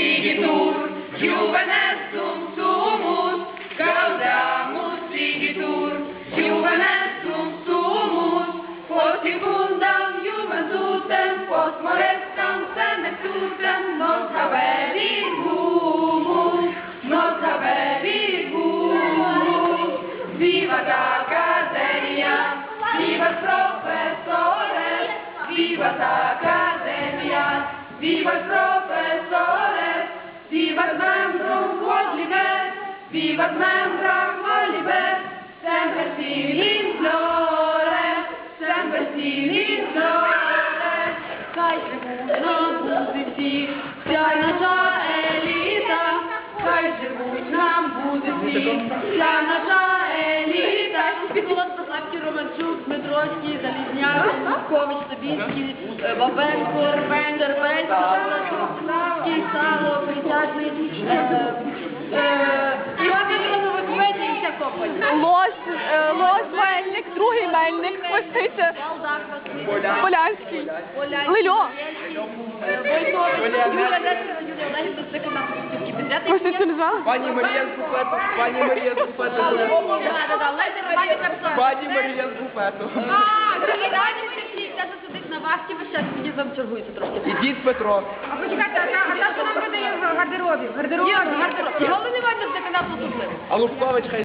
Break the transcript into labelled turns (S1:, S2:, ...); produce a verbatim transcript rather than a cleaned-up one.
S1: Sigitur, Juvenestum sumus, gaudamus Sigitur, Juvenestum sumus, post secundam juventutem, post morestam senectutem, nos haberit humus, nos haberit humus. Vivat Academia, vivat professores, vivat Academia, vivat professores, vivat membrum quod liber, vivat membrum quod liber, semper in flore, semper in flore, cae tribunam positi, cae naša elita, cae tribunam positi, cae naša elita. Пікулос, Пославський, Романчук, Дмитровський, Залізняк, Лукович, Собінський, Бабенко, Тербенський, Шевченківський, Сало, Присяжний, Іван Петрович, Веді і вся компанія.
S2: Лось, е, Лось, Мельник, другий Мельник, Хвостиця, Полянський, Лильо.
S1: Войтович, Юля Десера, Юлія Олегівна, це канал Пустівки Бюджети.
S2: Хвостицю не знала?
S3: Пані Марія з буфету, пані Марія з буфету. Пані Марія з буфету.
S1: А, дорогі дані, ми всі, це засудить на вахті, ви ще тоді вам чергуєте трошки.
S3: Ідіть, Петро.
S1: А почекайте, а та, що нам видає в гардеробі? В гардеробі, в гардеробі. Головне, не варто, це канал Пустівки.
S3: А Лубкович хай